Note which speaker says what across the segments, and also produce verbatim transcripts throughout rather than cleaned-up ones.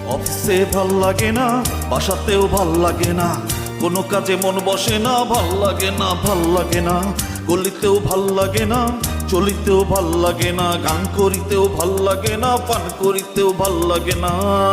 Speaker 1: অফিসে ভাল লাগে না, বাসাতেও ভাল লাগে না, কোনো কাজে মন বসে না, ভাল লাগে না, ভাল লাগে না, গলিতেও ভাল লাগে না, চলিতেও ভাল লাগে না, গান করিতেও ভাল লাগে না, পান করিতেও ভাল লাগে না।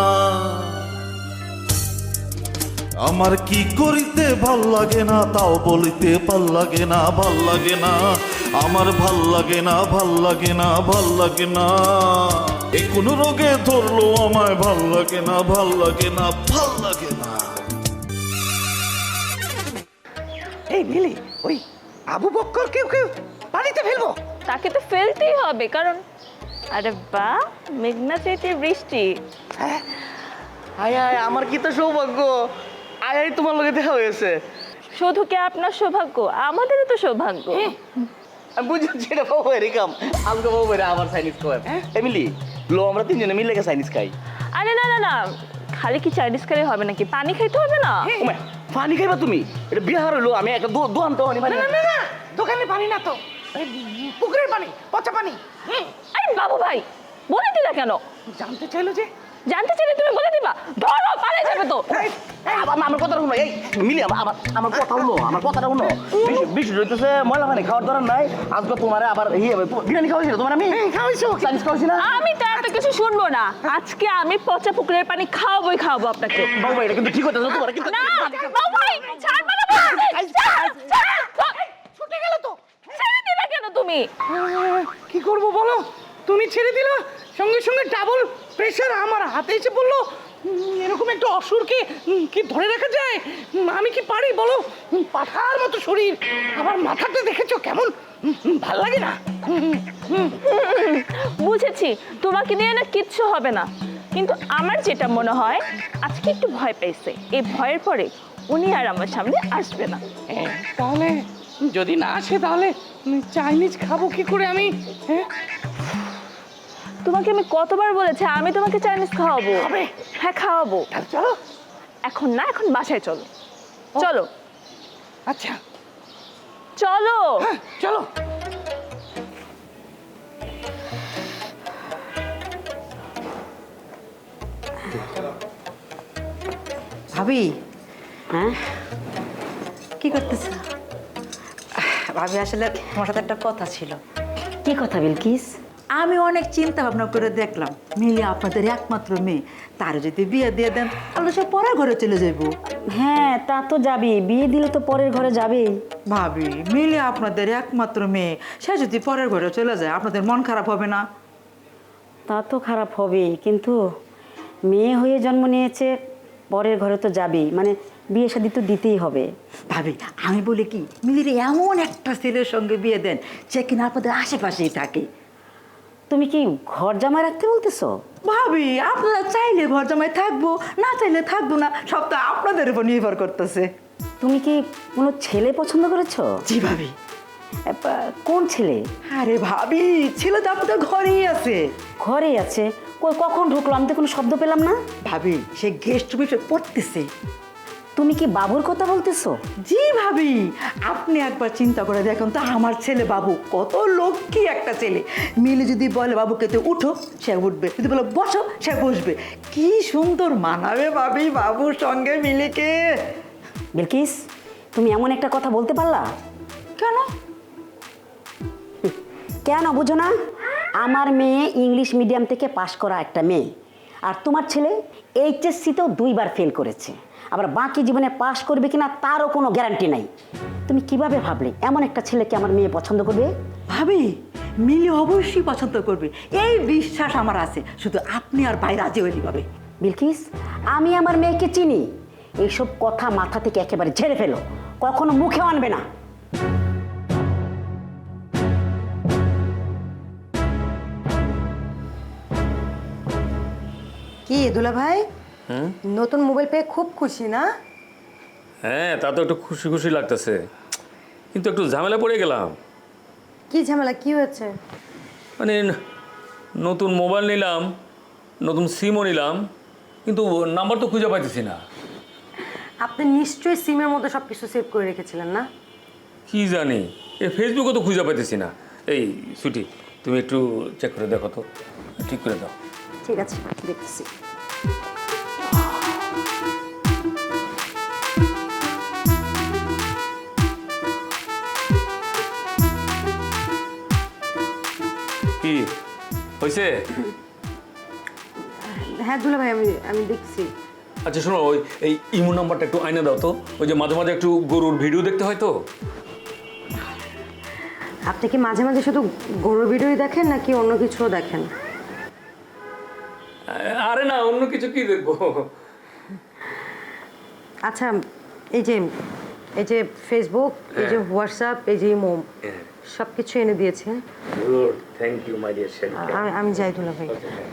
Speaker 1: আমার কি করিতে ভাল লাগে না তাও বলিতে ভাল লাগে না, ভাল লাগে না, আমার ভাল লাগে না, ভাল লাগে না, ভাল লাগে না। এ কোন রোগে ধরলো আমায়, ভাল লাগে না, ভাল লাগে না, ভাল লাগে না।
Speaker 2: এই মিলি, ওই আবু বক্কর কেউ কেউ পানিতে ফেলবো?
Speaker 3: তাকে তো ফেলতেই হবে, কারণ আরে বাহ, মেঘনা চাইতে বৃষ্টি।
Speaker 2: হ্যাঁ, আয় আয়, আমার কি তো সৌভাগ্য, আয় আয় তোমার লগে দেখা হয়েছে।
Speaker 3: শুধু কি আপনার সৌভাগ্য, আমাদেরও তো সৌভাগ্য।
Speaker 2: আমি বুঝছি এটা বাবু এরকম আজকে বাবু আবার চাইনিজ খাওয়ার। এমিলি, লো আমরা তিনজনে মিলে গেছে চাইনিজ খাই।
Speaker 3: আরে না না না, খালি কি চাইনিজ খেলে হবে নাকি, পানি খাইতে হবে না?
Speaker 2: ওমা, পানি খাইবা তুমি? এটা বিহার হলো, আমি একটা দোকান তো পানি।
Speaker 4: না না না, দোকানে পানি না তো, পুকুরের পানি, পচা পানি।
Speaker 3: আরে বাবু ভাই, বলে দিলা কেন?
Speaker 4: জানতে চাইলো যে।
Speaker 3: জানতে চাইলে তুমি বলে দিবা, ধরো পালিয়ে যাবে তো।
Speaker 2: আমার কথা শুনো, এই মিলি, আমার আমার কথা শুনো, আমার কথাটা শুনো। বিশ রইতেছে ময়লা পানি খাওয়ার দরকার নাই। আজকে তোমার আবার বিরিয়ানি খাওয়াইছিল তোমার, আমি খাওয়াইছো, চাইনিজ খাওয়াইছি না।
Speaker 3: আমি তো এত কিছু শুনবো না, আজকে আমি পচা পুকুরের পানি খাওয়াবোই খাওয়াবো আপনাকে।
Speaker 2: বাবু ভাই, এটা কিন্তু ঠিক হইতেছে তোমার কিন্তু।
Speaker 3: না বাবু ভাই, ছাড়বে না বলছি। ছাড়, ছাড়, ছাড়।
Speaker 4: ছুটে গেল তো।
Speaker 3: ছেড়ে দিলা কেন তুমি?
Speaker 4: কি করব বলো, তুমি ছেড়ে দিলা, সঙ্গে সঙ্গে ডাবল প্রেশার আমার হাতে এসে পড়লো। উম, এরকম একটা অসুরকে উম, কি ধরে রাখা যায়? উম, আমি কি পারি বলো? উম, পাঠার মতো শরীর, আমার মাথাটা দেখেছো কেমন, উম, উম, ভাল লাগে না। উম, উম,
Speaker 3: বুঝেছি, তোমাকে নিয়ে না কিচ্ছু হবে না, কিন্তু আমার যেটা মনে হয় আজকে একটু ভয় পেয়েছে, এই ভয়ের পরে উনি আর আমার সামনে আসবে না।
Speaker 4: হ্যাঁ, তাহলে যদি না আসে তাহলে উম, চাইনিজ খাবো কি করে আমি? হ্যাঁ,
Speaker 3: তোমাকে আমি কতবার বলেছি আমি তোমাকে চাইনিজ খাওয়াবো।
Speaker 4: খাবে?
Speaker 3: হ্যাঁ খাওয়াবো।
Speaker 4: তাহলে চলো।
Speaker 3: এখন না, এখন বাসায় চলো। চলো
Speaker 4: আচ্ছা,
Speaker 3: চলো।
Speaker 4: হ্যাঁ, চলো।
Speaker 5: ভাবি, হ্যাঁ কি করতেছ? ভাবি, আসলে তোমার সাথে একটা কথা ছিল।
Speaker 6: কি কথা বিলকিস?
Speaker 5: আমি অনেক চিন্তা ভাবনা করে দেখলাম, মিলি আপনাদের একমাত্র মেয়ে, তার যদি বিয়ে দিয়ে দেন তাহলে সে পরের ঘরে চলে যাইব।
Speaker 6: হ্যাঁ তা তো যাবে, বিয়ে দিলে তো পরের ঘরে যাবেই।
Speaker 5: ভাবি, মিলি আপনাদের একমাত্র মেয়ে, সে যদি পরের ঘরে চলে যায় আপনাদের মন খারাপ হবে না?
Speaker 6: তা তো খারাপ হবেই, কিন্তু মেয়ে হয়ে জন্ম নিয়েছে, পরের ঘরে তো যাবেই, মানে বিয়ে শাদী তো দিতেই হবে।
Speaker 5: ভাবি, আমি বলি কি, মিলির এমন একটা ছেলের সঙ্গে বিয়ে দেন যে কিনা আপনাদের আশেপাশেই থাকে।
Speaker 6: তুমি কি ঘর জামাই রাখতে বলতেছো?
Speaker 5: ভাবি, আপনারা চাইলে ঘর জামাই থাকবো, না চাইলে থাকবো না, সব তো আপনাদের উপর নির্ভর করতেছে।
Speaker 6: তুমি কি কোনো ছেলে পছন্দ করেছো?
Speaker 5: জি ভাবি।
Speaker 6: এ, পা- কোন ছেলে?
Speaker 5: আরে ভাবি, ছেলে তো আপনাদের ঘরেই আছে।
Speaker 6: ঘরেই আছে? কই কখন ঢুকলো? আমি তো কোনো শব্দ পেলাম না।
Speaker 5: ভাবি, সে গেস্ট রুমে পড়তেছে।
Speaker 6: তুমি কি বাবুর কথা বলতেছো?
Speaker 5: জি ভাবি, আপনি একবার চিন্তা করে দেখুন তো, আমার ছেলে বাবু কত লক্ষ্মী একটা ছেলে। মিলে যদি বলে বাবুকে তো উঠো, সে উঠবে, যদি বলে বসো, সে বসবে। কি সুন্দর মানাবে ভাবি বাবুর সঙ্গে মিলিকে।
Speaker 6: বিলকিস, তুমি এমন একটা কথা বলতে পারলা?
Speaker 5: কেন?
Speaker 6: কেন বুঝো না? আমার মেয়ে ইংলিশ মিডিয়াম থেকে পাশ করা একটা মেয়ে, আর তোমার ছেলে এইচএসসিতেও দুইবার ফেল করেছে, আবার বাকি জীবনে পাশ করবে কিনা তারও কোনো গ্যারান্টি নাই। তুমি কিভাবে ভাবলে এমন একটা ছেলেকে আমার মেয়ে পছন্দ করবে?
Speaker 5: ভাবি, মিলি অবশ্যই পছন্দ করবে, এই বিশ্বাস আমার আছে, শুধু আপনি আর ভাই রাজি হইলি পাবে।
Speaker 6: বিলকিস, আমি আমার মেয়েকে চিনি, এইসব কথা মাথা থেকে একেবারে ঝেড়ে ফেলো, কখনো মুখে আনবে না।
Speaker 7: কি দুলা ভাই, নতুন মোবাইল পেয়ে খুব খুশি না?
Speaker 8: হ্যাঁ, তা তো একটু খুশি খুশি লাগতেছে, কিন্তু একটু ঝামেলা পড়ে গেলাম।
Speaker 7: কি ঝামেলা, কি হয়েছে?
Speaker 8: মানে নতুন মোবাইল নিলাম, নতুন সিমও নিলাম, কিন্তু নাম্বার তো খুঁজে পাইতেছি না।
Speaker 7: আপনি নিশ্চয়ই সিমের মধ্যে সব কিছু সেভ করে রেখেছিলেন না?
Speaker 8: কি জানি, এ ফেসবুকে তো খুঁজে পাইতেছি না। এই সুটি, তুমি একটু চেক করে দেখো তো, ঠিক করে দাও।
Speaker 7: ঠিক আছে, দেখতেছি।
Speaker 8: হয়েছে?
Speaker 7: হ্যাঁ দুলা ভাই আমি আমি দেখছি।
Speaker 8: আচ্ছা শোনো, ওই এই ইমো নাম্বারটা একটু আইনা দাও তো, ওই যে মাঝে মাঝে একটু গরুর ভিডিও দেখতে হয় তো।
Speaker 7: আপনি কি মাঝে মাঝে শুধু গরুর ভিডিওই দেখেন নাকি অন্য কিছুও দেখেন?
Speaker 8: আরে না, অন্য কিছু কি দেখবো।
Speaker 7: আচ্ছা এই যে এই যে ফেসবুক, এই যে হোয়াটসঅ্যাপ, এই যে ইমো সব কিছু এনে দিয়েছে।
Speaker 8: Good, thank you my dear শেরিকা।
Speaker 7: আমি আমি যাই দুলা ভাই।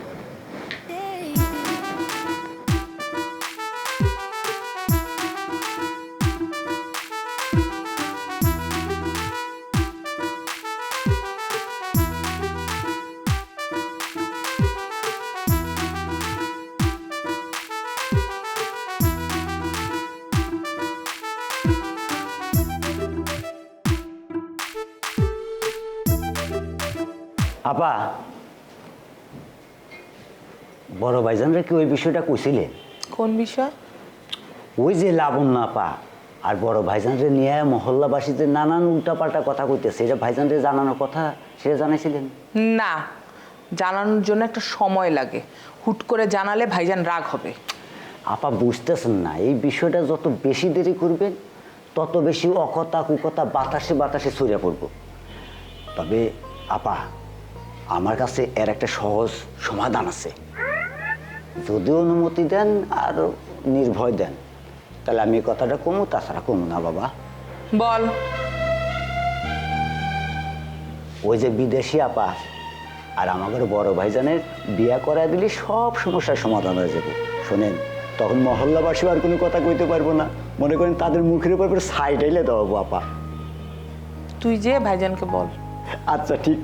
Speaker 9: আপা, বড় ভাইজানরা কি ওই বিষয়টা কইছিলে?
Speaker 4: কোন বিষয়?
Speaker 9: ওই যে লাবণ্য আপা আর বড় ভাইজানরে নিয়ে মহল্লাবাসীদের নানান উল্টাপাল্টা কথা কইতেছে, এটা ভাইজানরে জানানোর কথা, সেটা জানাইছিলেন?
Speaker 10: না, জানানোর জন্য একটা সময় লাগে। হুট করে জানালে ভাইজান রাগ হবে।
Speaker 9: আপা বুঝতেছেন না, এই বিষয়টা যত বেশি দেরি করবেন তত বেশি অকথা কুকথা বাতাসে বাতাসে ছড়িয়ে পড়ব। তবে আপা, আমার কাছে এর একটা সহজ সমাধান আছে। যদি অনুমতি দেন আর নির্ভয় দেন তাহলে আমি এই কথাটা কমু, তাছাড়া কমু না বাবা।
Speaker 10: বল।
Speaker 9: ওই যে বিদেশি আপা আর আমাদের বড় ভাইজানের বিয়া করায় দিলে সব সমস্যার সমাধান হয়ে যাবে। শোনেন, তখন মহল্লাবাসী আর কোনো কথা কইতে পারবো না, মনে করেন তাদের মুখের উপর সাইড আইলে দেবো আপা।
Speaker 10: তুই যে ভাইজানকে বল।
Speaker 9: আচ্ছা ঠিক।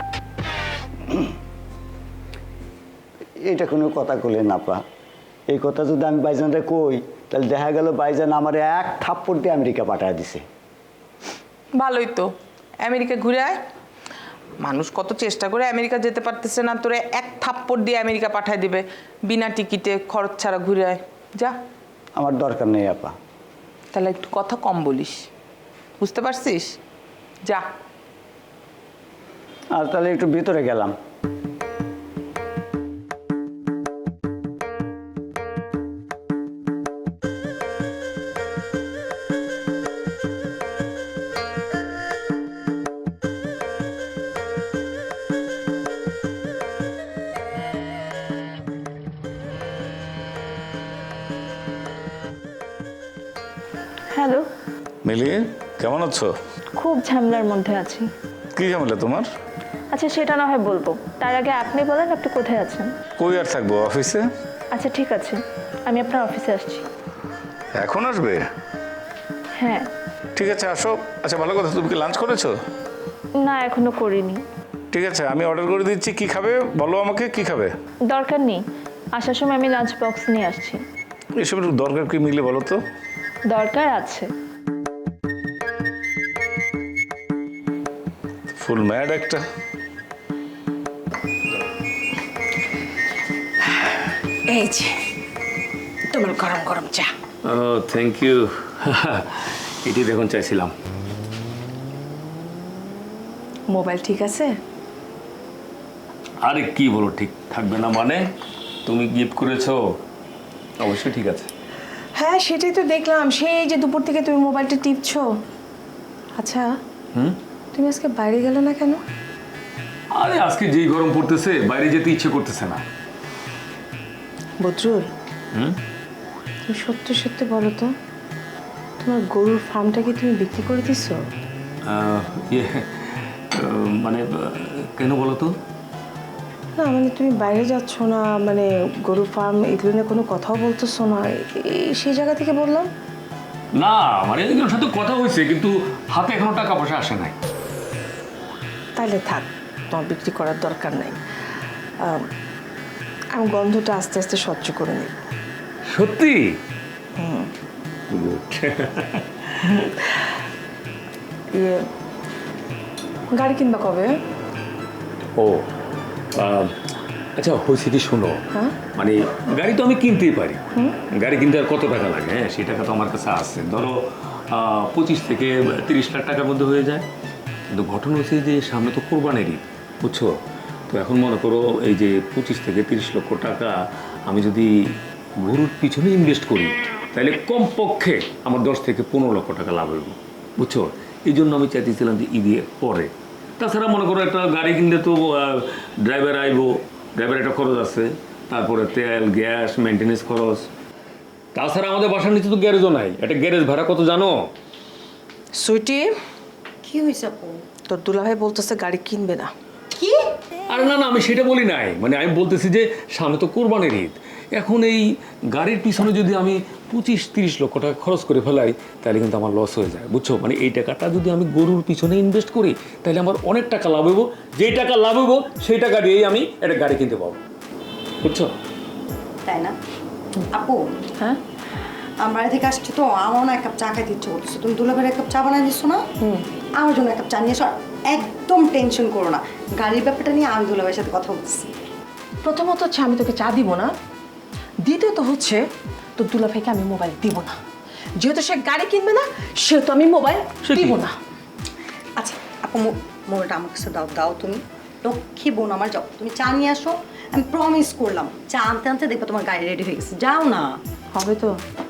Speaker 9: এটা কোনো কথা কইলেন আপা, এই কথা যদি আমি ভাইজানরে কই তাহলে দেখা গেল ভাইজান আমার এক থাপ্পড় দিয়ে আমেরিকা পাঠায় দিছে।
Speaker 10: ভালোই তো, আমেরিকা ঘুরে আয়। মানুষ কত চেষ্টা করে আমেরিকা যেতে পারতেছে না, তোরে এক থাপ্পড় দিয়ে আমেরিকা পাঠায় দিবে বিনা টিকিটে, খরচ ছাড়া ঘুরে আয় যা।
Speaker 9: আমার দরকার নেই আপা।
Speaker 10: তাহলে একটু কথা কম বলিস, বুঝতে পারছিস? যা।
Speaker 9: আর তাহলে একটু ভিতরে গেলাম।
Speaker 3: হ্যালো।
Speaker 1: মিলি, কেমন আছো?
Speaker 3: খুব ঝামেলার মধ্যে আছি।
Speaker 1: কি ঝামেলা তোমার?
Speaker 3: আচ্ছা সেটা না হয় বলবো, তার আগে আপনি বলেন আপনি কোথায় আছেন?
Speaker 1: কই আর থাকবো, অফিসে।
Speaker 3: আচ্ছা ঠিক আছে, আমি আপনার অফিসে আসছি।
Speaker 1: এখন আসবে?
Speaker 3: হ্যাঁ।
Speaker 1: ঠিক আছে আসো। আচ্ছা ভালো কথা, তুমি কি লাঞ্চ করেছো?
Speaker 3: না এখনো করিনি।
Speaker 1: ঠিক আছে, আমি অর্ডার করে দিচ্ছি। কি খাবে বলো আমাকে, কি খাবে?
Speaker 3: দরকার নেই, আসার সময় আমি লাঞ্চ বক্স নিয়ে আসছি।
Speaker 1: এসবের দরকার কি মিলে বলো তো?
Speaker 3: দরকার আছে।
Speaker 1: ফুল ম্যাড একটা।
Speaker 7: এই যে তোমার গরম গরম চা।
Speaker 8: ও থ্যাংক ইউ। এটি দেখুন চাইছিলাম।
Speaker 7: মোবাইল ঠিক আছে?
Speaker 8: আরে কি বলো ঠিক থাকবে না মানে? তুমি গিফট করেছো, অবশ্যই ঠিক আছে।
Speaker 7: হ্যাঁ সেটাই তো দেখলাম, সেই যে দুপুর থেকে তুমি মোবাইলটা টিপছো। আচ্ছা
Speaker 8: হুম,
Speaker 7: তুমি আজকে বাইরে গেলে না কেন?
Speaker 8: আরে আজকে যেই গরম পড়তেছে বাইরে যেতে ইচ্ছে করতেছে না।
Speaker 7: বদরুল,
Speaker 8: হুম,
Speaker 7: তুমি সত্যি সত্যি বলো তো, তোমার গরুর ফার্মটা কি তুমি বিক্রি করে দিছো?
Speaker 8: আহ, ইয়ে, আহ, মানে আহ, কেন বলো তো?
Speaker 7: না মানে তুমি বাইরে যাচ্ছ না, মানে গরু ফার্ম এগুলো নিয়ে কোনো কথাও বলতেছো না, এই সেই জায়গা থেকে বললাম।
Speaker 8: না মানে এগুলোর সাথে কথা হয়েছে, কিন্তু হাতে এখনো টাকা পয়সা আসে নাই।
Speaker 7: তাহলে থাক, তোমার বিক্রি করার দরকার নাই। আম, আমি গন্ধটা আস্তে আস্তে সহ্য করে নিই।
Speaker 8: সত্যি?
Speaker 7: ইয়ে গাড়ি কিনবা কবে?
Speaker 8: ও আহ, আচ্ছা হয়েছে কি শোনো,
Speaker 7: হ্যাঁ
Speaker 8: মানে গাড়ি তো আমি কিনতেই পারি, গাড়ি কিনতে আর কত টাকা লাগে? হ্যাঁ সেই টাকা তো আমার কাছে আছে, ধরো আহ, পঁচিশ থেকে তিরিশ লাখ টাকার মধ্যে হয়ে যায়। কিন্তু ঘটনা হচ্ছে যে সামনে তো কোরবানির ঈদ, বুঝছো? তো এখন মনে করো এই যে পঁচিশ থেকে তিরিশ লক্ষ টাকা আমি যদি গরুর পিছনে ইনভেস্ট করি তাহলে কমপক্ষে আমার দশ থেকে পনেরো লক্ষ টাকা লাভ হইব, বুঝছো? এই জন্য আমি চাইতেছিলাম যে ঈদের পরে। তাছাড়া মনে করো একটা গাড়ি কিনলে তো ড্রাইভার আইব, ড্রাইভার একটা খরচ আছে, তারপরে তেল গ্যাস মেনটেন্যান্স খরচ। তাছাড়া আমাদের বাসার নিচে তো গ্যারেজও নাই, একটা গ্যারেজ ভাড়া কত জানো?
Speaker 7: সুইটি,
Speaker 5: কি হয়েছে আপু?
Speaker 7: তোর দুলাভাই বলতেছে গাড়ি কিনবে না।
Speaker 5: কি?
Speaker 8: আরে না না, আমি সেটা বলি নাই, মানে আমি বলতেছি যে সামনে তো কোরবানির ঈদ, এখন এই গাড়ির পিছনে যদি আমি পঁচিশ তিরিশ লক্ষ টাকা খরচ করে ফেলাই তাহলে কিন্তু আমার লস হয়ে যায়, বুঝছো? মানে এই টাকাটা যদি আমি গরুর পিছনে ইনভেস্ট করি তাহলে আমার অনেক টাকা লাভ হইব, যেই টাকা লাভ হইব সেই টাকা দিয়েই আমি একটা গাড়ি কিনতে পারবো, বুঝছো?
Speaker 5: তাই না আপু?
Speaker 7: হ্যাঁ,
Speaker 5: আমার বাড়ি থেকে আসছি তো, আমার না এক কাপ চা খাইতে ইচ্ছে করতেছে। তুমি দুলাভাইয়ের এক কাপ চা বানাই দিচ্ছ না? আমার জন্য এক কাপ চা নিয়ে এসো। আর একদম টেনশন করো না, গাড়ির ব্যাপারটা নিয়ে আমি দুলাভাইয়ের সাথে কথা বলছি।
Speaker 7: প্রথমত হচ্ছে আমি তোকে চা দিব না, দ্বিতীয়ত হচ্ছে তোর দুলাভাইকে আমি মোবাইল দিব না। যেহেতু সে গাড়ি কিনবে না সেহেতু আমি মোবাইল দিব না।
Speaker 5: আচ্ছা আপু, মো- মোবাইলটা আমার কাছে দাও, দাও তুমি। লক্ষ্মী বোন আমার, যাও তুমি চা নিয়ে আসো। আমি প্রমিস করলাম চা আনতে আনতে দেখবো তোমার গাড়ি রেডি হয়ে গেছে। যাও না।
Speaker 7: হবে তো?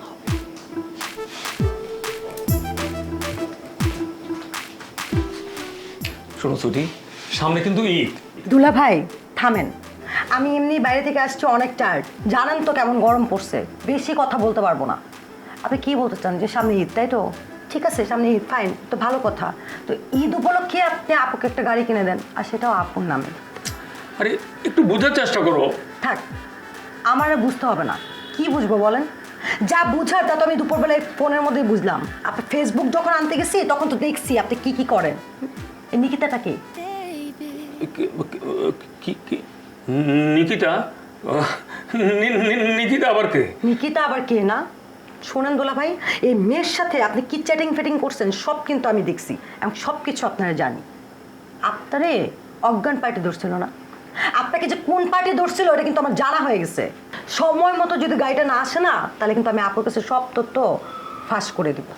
Speaker 8: শোনো ছুটি, সামনে কিন্তু ঈদ।
Speaker 5: দুলা ভাই থামেন, আমি এমনি বাইরে থেকে আসছি অনেক টায়ার্ড, জানেন তো কেমন গরম পড়ছে, বেশি কথা বলতে পারবো না। আপনি কি বলতে চান যে সামনে ঈদ, তাই তো? ঠিক আছে, সামনে ঈদ, ফাইন, তো ভালো কথা। তো ঈদ উপলক্ষে আপনি আপুকে একটা গাড়ি কিনে দেন, আর সেটাও আপুর নামে।
Speaker 8: আরে একটু বোঝার চেষ্টা করো।
Speaker 5: থাক, আমার আর বুঝতে হবে না। কি বুঝবো বলেন? যা বুঝার তা তো আমি দুপুরবেলায় ফোনের মধ্যেই বুঝলাম। আপনি ফেসবুক যখন আনতে গেছি তখন তো দেখছি আপনি কি কি করেন। এই নিকিতাটা কি?
Speaker 8: কি- কি- কি- নিকিতা? নি- নি- নিকিতা আবার কে?
Speaker 5: নিকিতা আবার কে না? শোনেন দোলা ভাই, এই মেয়ের সাথে আপনি কি চ্যাটিং ফেটিং করছেন সব কিন্তু আমি দেখছি, এবং সব কিছু আপনারা জানি। আপনারে অজ্ঞান পার্টি ধরছিল না? আপনাকে যে কোন পার্টি ধরছিল এটা কিন্তু আমার জানা হয়ে গেছে। সময় মতো যদি গাড়িটা না আসে না তাহলে কিন্তু আমি আপনার কাছে সব তথ্য ফাঁস করে দেবো।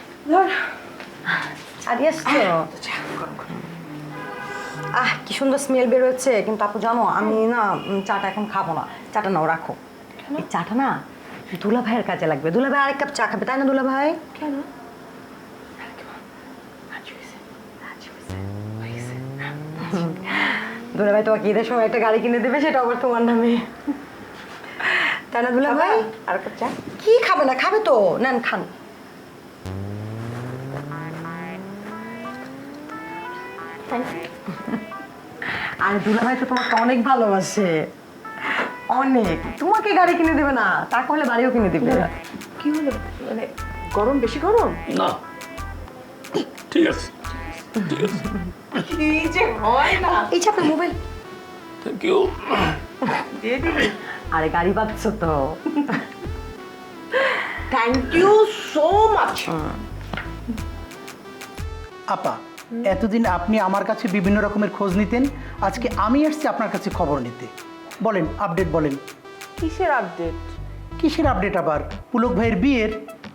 Speaker 5: আরে আসছো? আহ কি সুন্দর স্মেল বেরোচ্ছে, কিন্তু আপু জানো আমি না উম, চাটা এখন খাবো না। চাটা নাও, রাখো। এই চাটা না দুলা ভাইয়ের কাজে লাগবে। দুলা ভাই আরেক কাপ চা খাবে, তাই না দুলা ভাই?
Speaker 7: কেন?
Speaker 5: দুলা ভাই তোমাকে ঈদের সময় একটা গাড়ি কিনে দেবে, সেটা আবার তোমার নামে, তাই না দুলা ভাই?
Speaker 7: আর কাপ চা?
Speaker 5: কি খাবে না? খাবে তো, নেন খান। আর দুলা ভাই তো তোমাকে অনেক ভালোবাসে, অনেক। তোমাকে গাড়ি কিনে দেবে না, তা করলে বাড়িও কিনে দেবে।
Speaker 7: কি হলো? মানে গরম, বেশি গরম?
Speaker 8: না, ঠিক আছে, ঠিক আছে,
Speaker 7: কি যে হয় না।
Speaker 5: এই যে আপনার মোবাইল,
Speaker 8: থ্যাংক ইউ।
Speaker 7: দিয়ে দিবি?
Speaker 5: আরে গাড়ি পাচ্ছ তো।
Speaker 7: Thank you so much.
Speaker 4: আপা, এতদিন আপনি আমার কাছে বিভিন্ন রকমের খোঁজ নিতেন, আজকে আমি আসছি আপনার কাছে খবর নিতে। বলেন, আপডেট বলেন।
Speaker 7: কিসের আপডেট?
Speaker 4: কিসের আপডেট আবার? পুলক ভাইয়ের বিয়ের?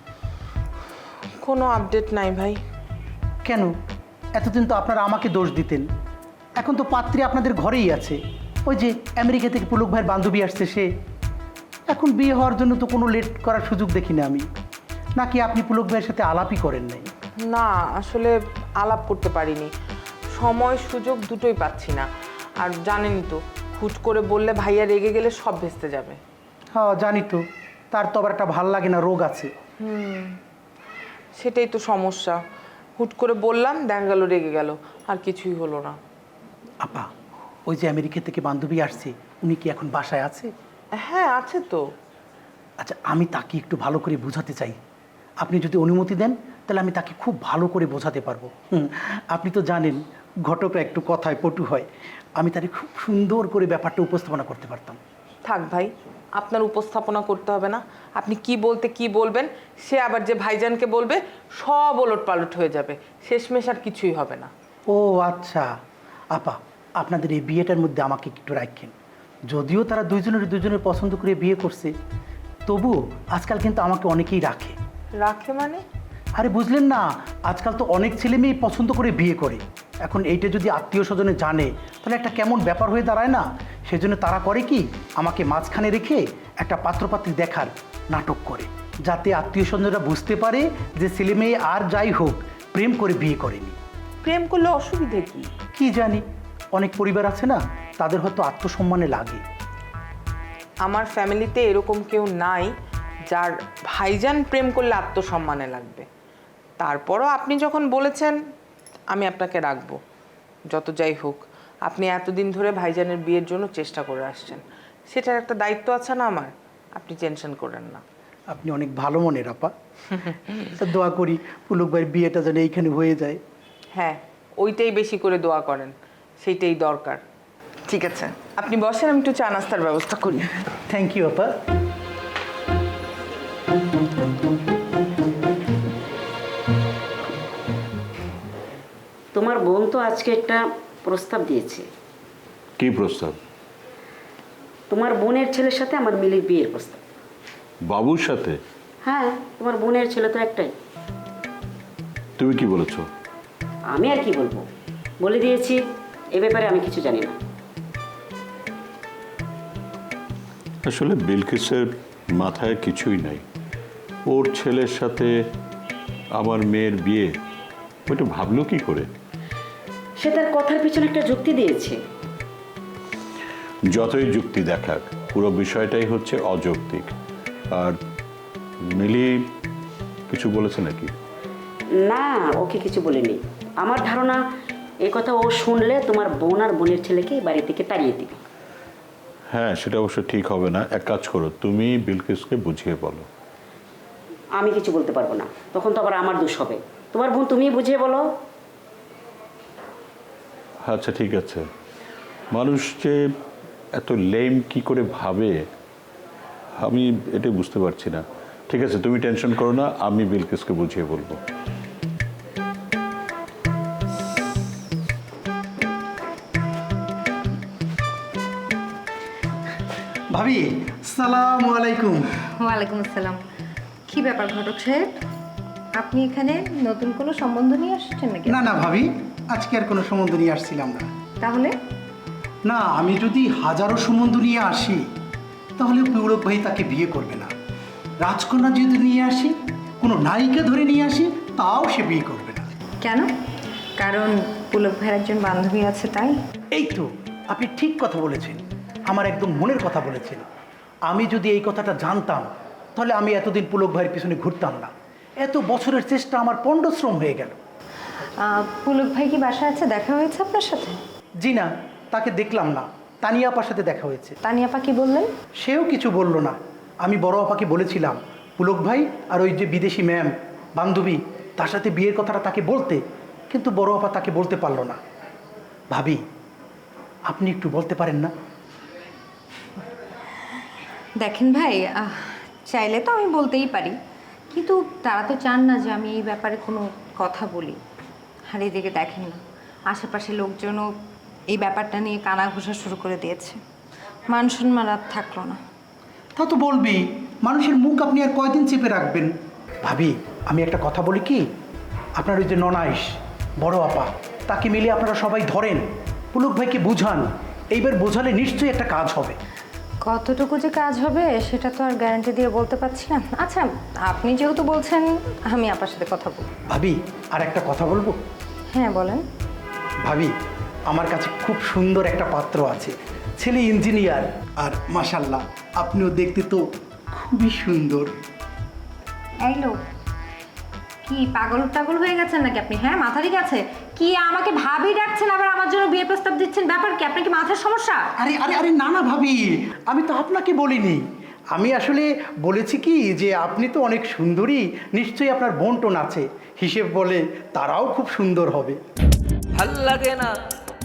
Speaker 7: কোনো আপডেট নাই ভাই।
Speaker 4: কেন? এতদিন তো আপনারা আমাকে দোষ দিতেন, এখন তো পাত্রী আপনাদের ঘরেই আছে। ওই যে আমেরিকা থেকে পুলক ভাইয়ের বান্ধবী আসছে সে। এখন বিয়ে হওয়ার জন্য তো কোনো লেট করার সুযোগ দেখি না আমি। নাকি আপনি পুলক ভাইয়ের সাথে আলাপই করেন নাই?
Speaker 10: না, আসলে আলাপ করতে পারিনি, সময় সুযোগ দুটোই পাচ্ছি না। আর জানেনই তো, হুট করে বললে ভাইয়া রেগে গেলে সব ভেস্তে যাবে।
Speaker 4: হ্যাঁ জানি তো, তার তো আবার একটা ভাল লাগে না রোগ আছে।
Speaker 10: সেটাই তো সমস্যা, হুট করে বললাম, দেখা গেল রেগে গেল, আর কিছুই হলো না।
Speaker 4: আপা, ওই যে আমেরিকা থেকে বান্ধবী আসছে, উনি কি এখন বাসায় আছে?
Speaker 10: হ্যাঁ আছে তো।
Speaker 4: আচ্ছা, আমি তাকে একটু ভালো করে বোঝাতে চাই। আপনি যদি অনুমতি দেন তাহলে আমি তাকে খুব ভালো করে বোঝাতে পারবো। হুম, আপনি তো জানেন ঘটকরা একটু কথায় পটু হয়, আমি তাকে খুব সুন্দর করে ব্যাপারটা উপস্থাপনা করতে পারতাম।
Speaker 10: থাক ভাই, আপনার উপস্থাপনা করতে হবে না। আপনি কি বলতে কি বলবেন, সে আবার যে ভাইজানকে বলবে, সব ওলট পালট হয়ে যাবে, শেষমেশ আর কিছুই হবে না।
Speaker 4: ও আচ্ছা আপা, আপনাদের এই বিয়েটার মধ্যে আমাকে একটু রাখেন। যদিও তারা দুইজনের দুজনের পছন্দ করে বিয়ে করছে, তবুও আজকাল কিন্তু আমাকে অনেকেই রাখে।
Speaker 10: রাখে মানে?
Speaker 4: আরে বুঝলেন না, আজকাল তো অনেক ছেলে মেয়ে পছন্দ করে বিয়ে করে।
Speaker 11: এখন এইটা যদি আত্মীয় স্বজনে জানে তাহলে একটা কেমন ব্যাপার হয়ে দাঁড়ায় না? সেজন্য তারা করে কি, আমাকে মাঝখানে রেখে একটা পাত্রপাত্রী দেখার নাটক করে, যাতে আত্মীয় স্বজনরা বুঝতে পারে যে ছেলে মেয়ে আর যাই হোক প্রেম করে বিয়ে করেনি।
Speaker 10: প্রেম করলে অসুবিধে কি?
Speaker 11: কি জানি, অনেক পরিবার আছে না, তাদের হয়তো আত্মসম্মানে লাগে।
Speaker 10: আমার ফ্যামিলিতে এরকম কেউ নাই যার ভাইজান প্রেম করলে আত্মসম্মানে লাগবে। তারপরও আপনি যখন বলেছেন আমি আপনাকে রাখবো। যত যাই হোক, আপনি এতদিন ধরে ভাইজানের বিয়ের জন্য চেষ্টা করে আসছেন, সেটার একটা দায়িত্ব আছে না আমার। আপনি টেনশন করেন না।
Speaker 11: আপনি অনেক ভালো মনের আপা। তা দোয়া করি পুলক ভাইয়ের বিয়েটা যেন এইখানে হয়ে যায়।
Speaker 10: হ্যাঁ, ওইটাই বেশি করে দোয়া করেন, সেইটাই দরকার। ঠিক আছে, আপনি বসেন, আমি একটু চা নাস্তার ব্যবস্থা করি।
Speaker 11: থ্যাংক ইউ আপা।
Speaker 6: তোমার বোন তো আজকে একটা প্রস্তাব দিয়েছে।
Speaker 12: কি প্রস্তাব?
Speaker 6: তোমার বোনের ছেলের সাথে আমার মিলির বিয়ের প্রস্তাব।
Speaker 12: বাবুর সাথে?
Speaker 6: হ্যাঁ, তোমার বোনের ছেলে তো একটাই।
Speaker 12: তুমি কি বলেছো?
Speaker 6: আমি আর কি বলবো, বলে দিয়েছি। এ ব্যাপারে আমি কিছু জানি না।
Speaker 12: আসলে বিলকিসের মাথায় কিছুই নাই। ওর ছেলের সাথে আমার মেয়ের বিয়ে, ওইটা ভাবলো কি করে?
Speaker 6: সে তার কথার পিছনে একটা যুক্তি দিয়েছে।
Speaker 12: যতই যুক্তি দেখাক, পুরো বিষয়টাই হচ্ছে অযৌক্তিক। আর মিলি কিছু বলেছে নাকি?
Speaker 6: না, ওকে কিছু বলেনি। আমার ধারণা এ কথা ও শুনলে তোমার বোন আর বোনের ছেলেকে বাড়ি থেকে তাড়িয়ে দিবে।
Speaker 12: হ্যাঁ, সেটা অবশ্য ঠিক হবে না। এক কাজ করো, তুমি বিলকিসকে বুঝিয়ে বলো।
Speaker 6: আমি কিছু বলতে পারবো না, তখন তো আবার আমার দোষ হবে। তোমার বোন তুমি বুঝিয়ে বলো।
Speaker 12: আচ্ছা ঠিক আছে। মানুষ যে এত লেম কি করে ভাবে, আমি এটা বুঝতে পারছি না। ঠিক আছে, তুমি টেনশন করো না, আমি বিলকিসকে বুঝিয়ে বলবো।
Speaker 11: ভাবি, সালাম আলাইকুম।
Speaker 13: ওয়ালাইকুম আসসালাম। কি ব্যাপার ঘটক সাহেব, আপনি এখানে নতুন কোনো সম্বন্ধ নিয়ে আসছেন নাকি?
Speaker 11: না না ভাবি, আজকে আর কোনো সম্বন্ধ নিয়ে আসছিলাম না।
Speaker 13: তাহলে?
Speaker 11: না, আমি যদি হাজারো সম্বন্ধ নিয়ে আসি তাহলে পুলক ভাই তাকে বিয়ে করবে না। রাজকন্যা যদি নিয়ে আসি, কোনো নায়িকা ধরে নিয়ে আসি, তাও সে বিয়ে করবে না।
Speaker 13: কেন? কারণ পুলক ভাইয়ের একজন বান্ধবী আছে তাই?
Speaker 11: এই তো, আপনি ঠিক কথা বলেছেন, আমার একদম মনের কথা বলেছেন। আমি যদি এই কথাটা জানতাম তাহলে আমি এতদিন পুলক ভাইয়ের পিছনে ঘুরতাম না। এত বছরের চেষ্টা আমার পণ্ডশ্রম হয়ে গেল।
Speaker 13: পুলক ভাই কি বাসায় আছে? দেখা হয়েছে আপনার সাথে?
Speaker 11: জি না, তাকে দেখলাম না। তানিয়া আপার সাথে দেখা হয়েছে।
Speaker 13: তানিয়া আপা কি বললেন?
Speaker 11: সেও কিছু বলল না। আমি বড় আপাকে বলেছিলাম পুলক ভাই আর ওই যে বিদেশি ম্যাম বান্ধবী, তার সাথে বিয়ের কথাটা তাকে বলতে, কিন্তু বড় আপা তাকে বলতে পারলো না। ভাবি, আপনি একটু বলতে পারেন না?
Speaker 13: দেখেন ভাই, চাইলে তো আমি বলতেই পারি, কিন্তু তারা তো চান না যে আমি এই ব্যাপারে কোনো কথা বলি। আর এদিকে দেখেন না, আশেপাশে লোকজনও এই ব্যাপারটা নিয়ে কানা ঘোষা শুরু করে দিয়েছে। মান সম্মান আর থাকলো না।
Speaker 11: তা তো বলবি, মানুষের মুখ আপনি আর কয়দিন চেপে রাখবেন? ভাবি, আমি একটা কথা বলি কি, আপনার ওই যে ননাইশ বড় আপা, তাকে মিলে আপনারা সবাই ধরেন, পুলক ভাইকে বুঝান। এইবার বোঝালে নিশ্চয়ই একটা কাজ হবে।
Speaker 13: কতটুকু যে কাজ হবে সেটা তো আর গ্যারান্টি দিয়ে বলতে পারছি না। আচ্ছা, আপনি যেহেতু বলছেন, আমি আপনার সাথে কথা বলব।
Speaker 11: ভাবি, আর একটা কথা বলবো?
Speaker 13: হ্যাঁ বলেন।
Speaker 11: ভাবি, আমার কাছে খুব সুন্দর একটা পাত্র আছে, ছেলে ইঞ্জিনিয়ার, আর মাশাল্লাহ আপনিও দেখতে তো খুবই সুন্দর।
Speaker 13: এই লোক কি পাগল টাগল হয়ে গেছেন নাকি আপনি? হ্যাঁ, মাথা ঠিক আছে কি? আমাকে ভাবি ডাকছেন, আবার আমার জন্য বিয়ে প্রস্তাব দিচ্ছেন, ব্যাপার কি? আপনার কি মাথার সমস্যা?
Speaker 11: আরে আরে আরে না না ভাবি, আমি তো আপনাকে বলিনি। আমি আসলে বলেছি কি যে আপনি তো অনেক সুন্দরী, নিশ্চয়ই আপনার বোন টোন আছে, হিসেব বলে তারাও খুব সুন্দর হবে।
Speaker 2: ভাল লাগে না,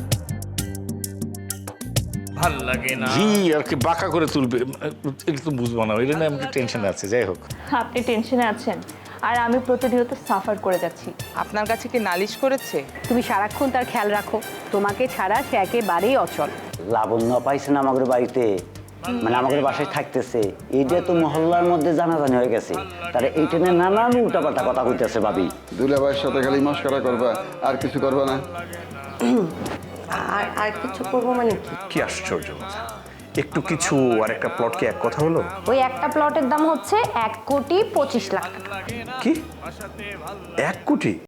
Speaker 2: ভাল লাগে না।
Speaker 14: জি, আর কি বাঁকা করে তুলবে একটু বুঝবো না, ওই জন্য আমি টেনশন আছে। যাই হোক,
Speaker 3: আপনি টেনশনে আছেন আর আমি প্রতিনিয়ত সাফার করে যাচ্ছি।
Speaker 10: আপনার কাছে কি নালিশ করেছে?
Speaker 15: তুমি সারাক্ষণ তার খেয়াল রাখো, তোমাকে ছাড়া সে একেবারেই অচল।
Speaker 9: লাবণ্য পাইছে না আমাদের বাড়িতে, মানে আমাদের বাসায় থাকতেছে, এইটা তো মহল্লার মধ্যে জানাজানি হয়ে গেছে, তারা এইটা নিয়ে নানান উল্টাপাল্টা কথা কইতেছে ভাবি।
Speaker 15: দুলাভাইয়ের সাথে খালি মস্করা করবা, আর কিছু করবা না?
Speaker 13: আর আর কিছু করবো মানে কি?
Speaker 16: কি আশ্চর্য কথা, একটু কিছু আর একটা প্লটকে এক কথা হলো?
Speaker 13: ওই একটা প্লটের দাম হচ্ছে এক কোটি পঁচিশ লাখ টাকা।
Speaker 16: কি এক কোটি?